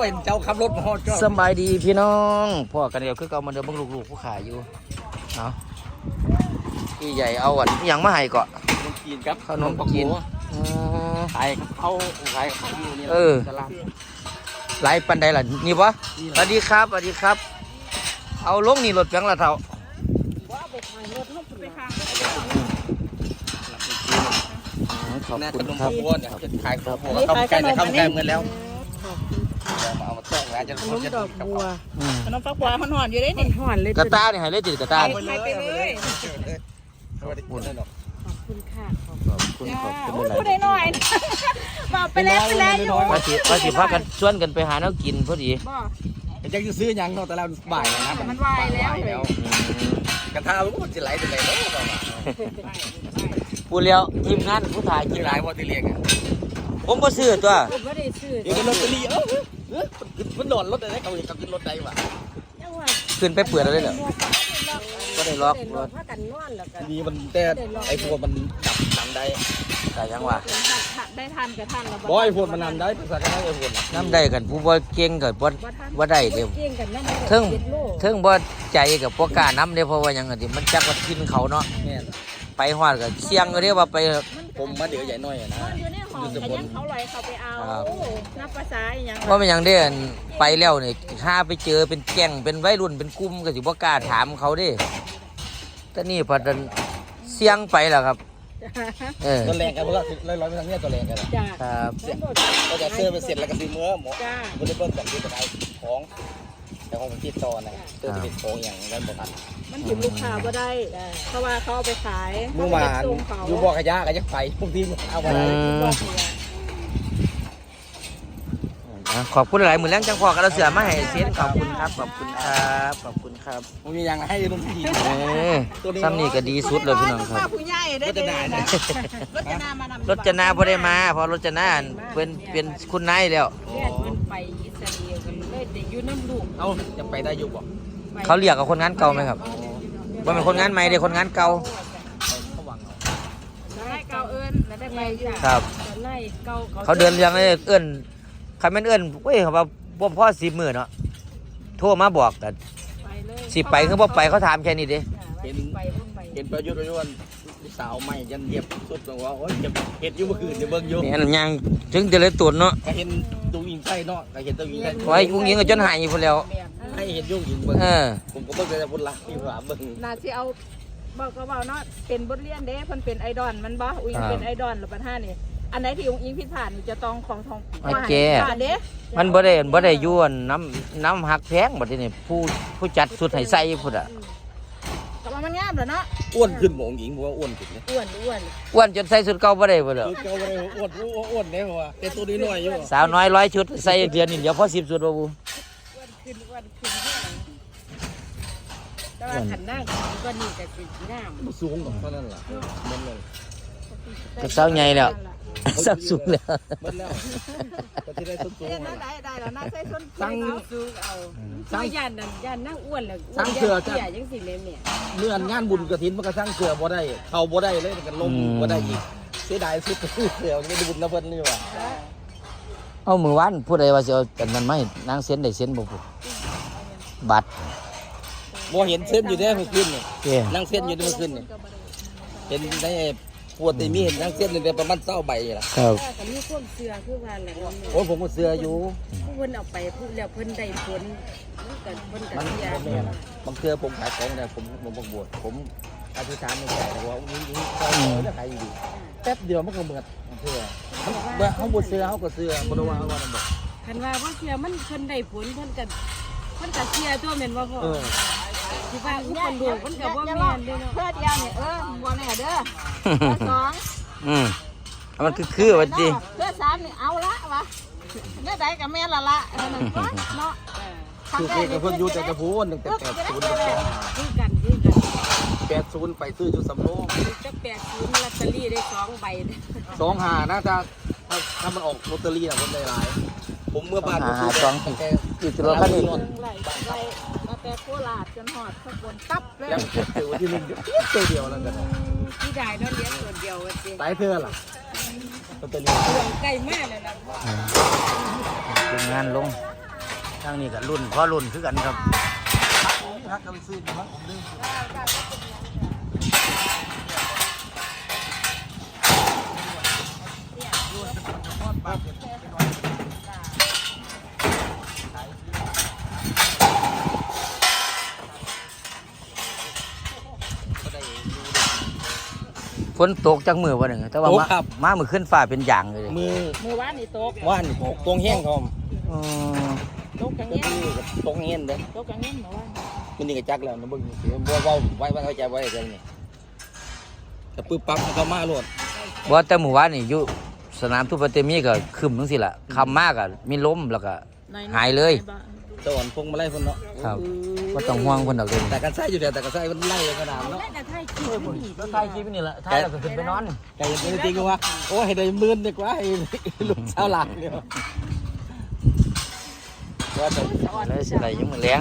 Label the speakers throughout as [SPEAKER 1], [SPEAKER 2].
[SPEAKER 1] เห็นเจ้าขับรถมาฮอดก็
[SPEAKER 2] สบายดีพี่น้องพ่อกันเดียวคือเก่ามาเดิมเบิ่งลูกๆผู้ขายอยู่เนาะพี่ใหญ่เอาอันยังมาให้เกาะ
[SPEAKER 1] ขนมจีนครับ
[SPEAKER 2] ขนมจีน
[SPEAKER 1] ขายเขาขายเขาอยู่นี่ตลาด
[SPEAKER 2] หลายปันใดล่ะนี่วะสวัสดีครับสวัสดีครับ เอาลงนี่รถเพียงละเท่าขอบ
[SPEAKER 1] แน่
[SPEAKER 2] คุ
[SPEAKER 1] ข
[SPEAKER 2] ณ
[SPEAKER 1] นม
[SPEAKER 2] ครับ
[SPEAKER 1] บัวเนี่ยขายของเข้าใกล้เลยเข้าใกล้เงินแล้วเอามาต้มงานจะ
[SPEAKER 3] ขนมดอกบัวขนมฟักบัวมันห่อนอยู่ได้นี่ห่อนเลย
[SPEAKER 2] กระตาเนี่ยให้เลยติดกระตา
[SPEAKER 3] ไปเลย
[SPEAKER 1] ขอบคุณนะดอก
[SPEAKER 3] ขอบคุณค่ะ
[SPEAKER 2] ขอบคุณหลาย
[SPEAKER 3] พูดได้หน่อยบอกไปแล้วอยู่
[SPEAKER 2] ว่าสิพากันชวนกันไปหาแนวกินพอดี
[SPEAKER 1] จะซื้อยังเนาะแต่เราบ่ายนะ
[SPEAKER 3] มันวายแล้ว
[SPEAKER 1] กระทะมันจะไหลจะไหลเนาะ
[SPEAKER 2] พูดแล้วทีมงานผู้ถ่ายกิ
[SPEAKER 1] กิ
[SPEAKER 2] น
[SPEAKER 1] น
[SPEAKER 2] ห
[SPEAKER 1] ห
[SPEAKER 2] ลา
[SPEAKER 1] ลาย ยว่าที่เรียกอ่ะ
[SPEAKER 2] ผมก็ซื้อตัว
[SPEAKER 3] ผมไม่ได้ซื้อ
[SPEAKER 1] อยู่ในรถตะลีมันนอนรถอะไรเขาเห็นเขาขึ้นรถใดวะ
[SPEAKER 2] ขึ้นไปเปิดแล้วเลยเหรอก็ได้ล็อกรถ
[SPEAKER 3] ถ้ากันนอนแล้วกัน
[SPEAKER 1] ดีมันแต่ไอ้พวกมันดับได้
[SPEAKER 2] แต่ยังวะ
[SPEAKER 3] ได้ทันกับทันแล้ว
[SPEAKER 1] บ่ไอ้พวกมันนำได้ภาษาไทยไอ้พวก
[SPEAKER 2] น้ำได้กันผู้บ่เก่งกับบ่ได้เดี๋ยว
[SPEAKER 3] เก่งกันนั่น
[SPEAKER 2] เทิงบ่ใจกับพวกกล้าน้ำเดี๋ยวเพราะว่ายังไงที่มันจักว่ากินเขาเนาะ
[SPEAKER 1] แม่
[SPEAKER 2] ไปฮอดก็เสี่ยงก็เรียกว่าไป
[SPEAKER 1] ผมมาเดี๋ยวใหญ่น้อยนะ
[SPEAKER 3] อยู่ในห้องขยันเขาลอยเขาไปเอานับภาษาอย่าง
[SPEAKER 2] เพราะมันยังได้ไปแล้วนี่ถ้าไปเจอเป็นแก๊งเป็นวัยรุ่นเป็นกลุ่มก็สิบ่กล้าถามเขาเด้แต่นี่พอดันเสี่ยงไปแล้วครับ
[SPEAKER 1] ตัวแรงกันเพราะว่าร้อยไปทางนี้ตัวแรงกัน
[SPEAKER 3] จ้า
[SPEAKER 2] ครับ
[SPEAKER 1] ก็จะเสื้อไปเสร็จแล้วก็ซื้อเมื่อหมอ
[SPEAKER 3] จ้า
[SPEAKER 1] บริเวณแบบนี้จะได้ของแต่ของมันติดต่อนะเสื้อจะเป็นของอย่างนั้นหมดอ่ะ
[SPEAKER 3] มันถึงลูกค้าก็ได้เพราะว่าเขาเอาไปขาย
[SPEAKER 1] เมื่อวานอยู่บ่อขยะก็จะไปพวกที่เอาไป
[SPEAKER 2] ขอบคุณหลายมือแรงจังพอกันเราเสือมาให้เซนขอบคุณครับขอบคุณครับขอบคุณครับ
[SPEAKER 1] ผมมีอย่างให้ลุงพี่
[SPEAKER 2] ซ้ำนี่ก็ดีสุดเลยพี่น้องครับ
[SPEAKER 3] ผู้ใหญ่ได้เลยนะรถจะนามาร
[SPEAKER 2] ถจนาพอได้มาเพอรถจนาเป็นคุณนายแล้ว
[SPEAKER 3] เรียนมันไปอิสราเอลกันเลยเด็กอยู่น้ำลูก
[SPEAKER 1] เอาจะไปได้อยู่บ่
[SPEAKER 2] เขาเรียกกับคนงานเก่าไหมครับว่าเป็นคนงานใหม่เด็กคนงานเก่า
[SPEAKER 1] เขาหวังเอา
[SPEAKER 3] ได้เก่าเอิญแล้วได้ไปอยู่
[SPEAKER 2] ครับ
[SPEAKER 3] ไล่เก่า
[SPEAKER 2] เขาเดินเรียงเลยเอื้อนใครไม่นเอื้อนเว้ยเขาว่าบ่พ่อ10 มื้อเนาะโทรมาบอกกัน
[SPEAKER 3] ไปเลย
[SPEAKER 2] สิไปคือบ่ไปเขาถามแค่นี้เด้
[SPEAKER 3] ไปพุ่งไป
[SPEAKER 1] เห็นประยุทธ์สาวใหม่ยันเยียบสุดบอกว่าโอ้ยจะเห็ดอยู่เมื่อคืนจะเบิ่งอยู่
[SPEAKER 2] แม่นยังถึงจะเลยตุนเนาะ
[SPEAKER 1] ก็เห็นตูยิงไส้เนาะก็เห็นตูยิงไส้
[SPEAKER 2] ไว้อุ้งยิงก็จนหายอยู่พุ่นแล้ว
[SPEAKER 1] ให้เห็นยุ่งยิงเบิ่ง
[SPEAKER 2] เออ
[SPEAKER 1] ผมก็เบิ่งแต่พุ่นละที่ว่าเบิ่ง
[SPEAKER 3] น่าสิเอาบอกก็บอกเนาะเป็นบทเรียนเด้เพิ่นเป็นไอดอลมันบ่อุ้งเป็นไอดอลหรือปัญหานี่อันไหนที่อุ้งอิงผิดพลาดนี่จะต้องของทองเด้
[SPEAKER 2] มันบ่ได้อยู่อันน้ำหักแพงบัดนี้ผู้จัดสุดให้ใส่พุ่นอ่ะ
[SPEAKER 3] แต่ว่ามันงามเหรอเนาะ
[SPEAKER 1] อ้วนขึ้นหมองหญิงบอกว่าอ้วนขึ้นเนี่ย
[SPEAKER 3] อ้วน
[SPEAKER 2] อ้วนจนใส่สุดเก่าบ่ได้พุ่นแล้ว
[SPEAKER 1] คือเก่าไปอ้วนเนี่ยเพราะว่าแต่ตัวนี้น้อยอยู่
[SPEAKER 2] สาวน้อย100 ชุดใส่เดือนนี้เดี๋ยวพอ10 ชุดบ่บู
[SPEAKER 3] อ้วนขึ้นแต่ว่าขันนั่งก็นี่ก็สิงาม
[SPEAKER 1] สูงเท่านั้นล่ะมันเลย
[SPEAKER 2] ก็สาวใหญ่แล้วสาวสูงแล้ว
[SPEAKER 1] มันแล้วก็ที่ได้ต้นสูง
[SPEAKER 3] ได้แล้วน่าใส่ส้นสูงเอาสร้างยันนั่งอ้วนแล้วยังสิเลยเนี่ย
[SPEAKER 1] เมื่องานบุญกระถินมันก็สร้างเกลือบ่ได้เข้าบ่ได้เลยมันก็ลมบ่ได้อีกเสียดายสุดเกลือไม่ได้บุญนะเพิ่นนี่ว่า
[SPEAKER 2] เอามือวันผู้ใดว่าสิเอาอันนั้นมาให้นางเซ็นได้เซ็นบ่พูดบัตร
[SPEAKER 1] บ่เห็นเส้นอยู่ได้เมื่อคืนนี่
[SPEAKER 2] เด้
[SPEAKER 1] นั่งเส้นอยู่ได้เมื่อคืนนี่เห็นได้ปวดแต่มีเห็นนั่งเส้นนี่ประมาณ20ใบล่ะ
[SPEAKER 2] ครับ
[SPEAKER 3] ก็มีคนเสือคือว่าแหละ
[SPEAKER 1] โอ้ผมก็เสื้ออยู่
[SPEAKER 3] ผู้เพิ่นเอาไปพูดแล้วเพิ่นได้ผลกันเพิ่นกั
[SPEAKER 1] มัน
[SPEAKER 3] เสีย
[SPEAKER 1] บ่แม่นบางเทื่อผมขายของเนี่ยผมบ่บวชผมอธิษฐานในใจว่าอุ้ยเขาจะขายดีแป๊บเดียวมันก็เหมือนเทื่อมันเขาบ่เสื้อเขาก็เสื้อบ่ได้ว่าเขาว่านั่นบ่
[SPEAKER 3] คันว่าบ่เสียมันเพิ่นได้ผลเพิ่นก็เสียตัวแม่นบ่พ่อสิว่าอุปลูกมันก็บ่แม่นเด้เนาะเพื่อเดียวเนี่ยบ่แน่เด้อสอง
[SPEAKER 2] มันคือว่าติ
[SPEAKER 3] เพื่อสามนี่เอาละวะเมื่อใดก็แม่นละเนาะ
[SPEAKER 1] คือเพิ่นอยู่แต่กระพูนตั้งแต่80ถึง
[SPEAKER 3] คือกัน
[SPEAKER 1] 80ไปซื้ออยู่สำโรง
[SPEAKER 3] จะ80ลอตเตอรี่ได้2ใบ
[SPEAKER 1] 25น่าจะถ้ามันออกลอตเตอรี่น่ะคนหลายๆผมเมื่อบ้านก็ซื้อแต่
[SPEAKER 2] อีกรถคันนี้
[SPEAKER 3] ไล่มาแต่โคราชจนหอดสกลตับเลย
[SPEAKER 1] ยังถือว่าที่นึงตัวเดียวแล้วกัน
[SPEAKER 3] ที่ได้นั่นเลี้ยงตัวเดียวจริง
[SPEAKER 1] ตายเธอล่ะลอตเตอรี่
[SPEAKER 3] ใกล้มากเลยนะ
[SPEAKER 2] เป็นงานลงทางนี้ก็รุ่นพอรุ่นคือกันครับ
[SPEAKER 1] พักกันซื้อมาผมดึง
[SPEAKER 2] ฝนตกจากมือวันหนึ่งแต่ว่ามามือขึ้นฟ้าเป็นอย่างเลย
[SPEAKER 3] มือว่านนี่ตก
[SPEAKER 1] ว่านตกตรงแห้งครับ
[SPEAKER 2] อืม
[SPEAKER 3] ตกจังเงี้ย
[SPEAKER 1] ตรงเงี้ยเด้อ
[SPEAKER 3] ตกจังเงี้ยหมอว่า
[SPEAKER 1] มันนี่ก็จักแล้วนะเบิ่งบ่ไว้เข้าใจไว้เดี๋ยวนี้แต่ปึ๊บปั๊บมันก็มาโลด
[SPEAKER 2] ว่าแต่หมู่บ้านนี่อยู่สนามทุบเตมีก็คึมทั้งสิล่ะคำมากอ่ะมีล้มแล้วก็หายเลย
[SPEAKER 1] ตอนพงมาไล่คนเนาะ
[SPEAKER 2] ครับก็ต้องห่วงคนดอกเด่น
[SPEAKER 1] แต่กันไส้อยู่แต่กันไส้มันไล่กระดามเนาะ
[SPEAKER 3] แต่ไทยคิดนี่
[SPEAKER 2] ก็ถ่ายคลิปนี่แหละถ่ายแล้วก็ขึ้นไปนอน
[SPEAKER 1] แต่ยังจริงๆว่าโอ้ให้ได้หมื่นดีกว่าให้ลูกสาวหลังเนี่ยว่าแต่
[SPEAKER 2] เลยสิไรยังมือแรง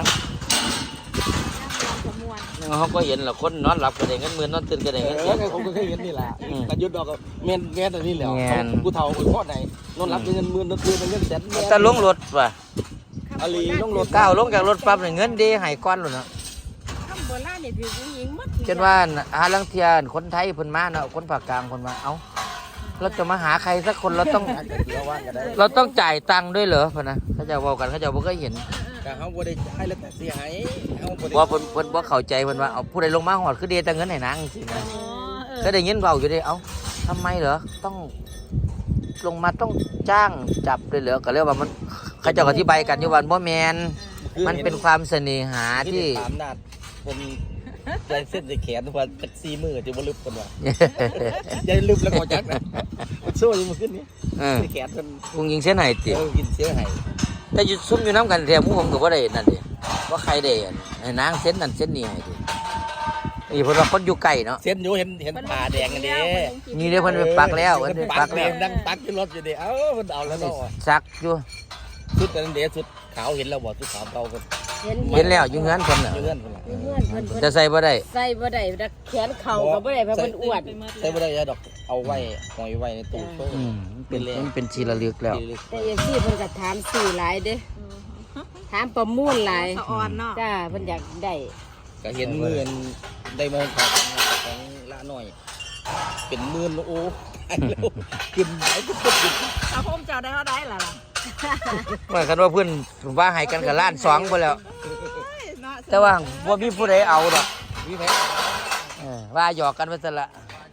[SPEAKER 2] เขาก็เห็นแหละคนนอนหลับก็ได้เงินหมื่นนอนตื่นก็ได้เงิน
[SPEAKER 1] ผมก็เคยเห็นนี่แหละกันยุดดอกแม่นอันนี้แหละกูเฒ่ากูทอดไหนนอนรับเงินหมื่นนอนตื่นเงินแสน
[SPEAKER 2] แต่ลงรถว่ะ
[SPEAKER 1] อาลีลงรถ
[SPEAKER 2] ก้าวลงจากรถปั๊บเนี่ยเงินดีหายก้อนเลยเนาะ
[SPEAKER 3] คำโบราณนี่ถือผู้หญิงมัด
[SPEAKER 2] จนว่าหาลังเทียนคนไทยเพิ่นมาเนาะคนภาคกลางเพิ่นมาเอ้าเราจะมาหาใครสักคนเราต้องจ่ายตังค์ด้วยเหรอพ่นนะเขาจะบอกกันเขาจะบ่เคยเห็น
[SPEAKER 1] แต่เขาบ่ได้ให้แล้วแต่เสียหายเขาบ่ได้
[SPEAKER 2] ว่าเพิ่นบ่เข้าใจเพิ่นว่าเอาผู้ใดลงมาหอดคือเดแต่เงินให้นางสินะก็ได้ยินเว้าอยู่เด้เอ้าทำไมเหรอต้องลงมาต้องจ้างจับเลยเหรอก็เรียกว่ามันเขาเจะอธิบายกันอยู่ว่าบ่แม่นมันเป็นความเสน่หาที่
[SPEAKER 1] ถามนาดเป็นใจเส้นใจแขนว่าจัก4มื้อจะบ่ลึกคนว่าอย่าลึกแล้วก็จักนะมันสู้อยู่มื้อขึ้นนี้ ใจแขนเพิ่น
[SPEAKER 2] พุงยิงเส้นไหติ
[SPEAKER 1] กินเสียให้
[SPEAKER 2] แต่อยู่ซุ่มอยู่น้ำกันแถมหมู่ผมก็บ่ได้นั่นดิว่าใครได้อันให้นางเส้นนั่นเส้นนี้ให้ดินี่เพิ่นว่าคนอยู่ใกล้เนาะ
[SPEAKER 1] เส้นอยู่เห็นผ่าแดงอันนี้
[SPEAKER 2] นี่เด้เพิ่นไปปักแล้วเพิ่นไปปักแล้ว
[SPEAKER 1] ดังปักขึ้นรถอยู่ดิเอ้ามันเอาแล้วเนาะ
[SPEAKER 2] ซักอยู่
[SPEAKER 1] ชุดอันเดชุดขาวเห็นแล้วบ่ชุดขาวเก่าเพิ่น
[SPEAKER 2] เห็นแล้วอยู่เฮือนเพิ่นน่ะ
[SPEAKER 1] เงื่อนเพิ่นล่ะ
[SPEAKER 3] เพื่อนเพิ่น
[SPEAKER 2] จะใส่บ่ได้
[SPEAKER 3] ใส่บ่ได้ดักแขนเข่าก็บ่ได้เพราะเพิ่นอ้วน
[SPEAKER 1] ใส่บ่ได้ดอกเอาไว้หอยไว้ในตู้โซ่
[SPEAKER 2] มันเป็นชีระลึกแล้ว
[SPEAKER 3] แต่เอฟซีเพิ่นก็ถามสื่อหลายเด้ถามประมูลหลาย
[SPEAKER 4] อ่อนเนาะ
[SPEAKER 3] จ้าเพิ่นอยากได้
[SPEAKER 1] ก็เห็นหมื่นได้มาของละหน่อย เป็นหมื่นโอ้แล้วขึ้นไหนก็ขึ้น
[SPEAKER 4] ถ้าผมเจ้าได้เท่าได้ล่ะ
[SPEAKER 2] ว่ากันว่าเพิ่นว่าให้กันกับล้าน2พุ่นแล้ว
[SPEAKER 4] เนาะ
[SPEAKER 2] แต่ว่าบ่มีผู้ใดเอาดอก
[SPEAKER 1] วิแพ้
[SPEAKER 2] ว่าหยอกกันไปซะละ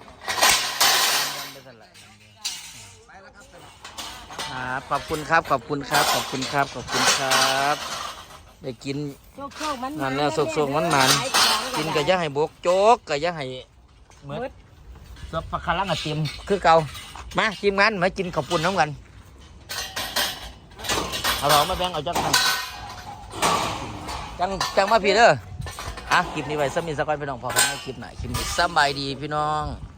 [SPEAKER 2] ขอบคุณครับขอบคุณครับขอบคุณครับขอบคุณครับได้กิน
[SPEAKER 3] โชคๆมัน
[SPEAKER 2] นั่นแล้วสุกๆมันๆกินก็อย่าให้บกโจ๊กก็อย่าให้เหมือนซับปลาคารังอะเต็มคือเก่ามาทีมงานมากินข้าวปุ้นน้ำกันเอาหรอมาแบ่งเอาจักกันจังมาพี่เด้อคลิปนี้ไว้สมิธสกอยพี่น้องพอกันในคลิปไหนคลิปนี้สบายดีพี่น้อง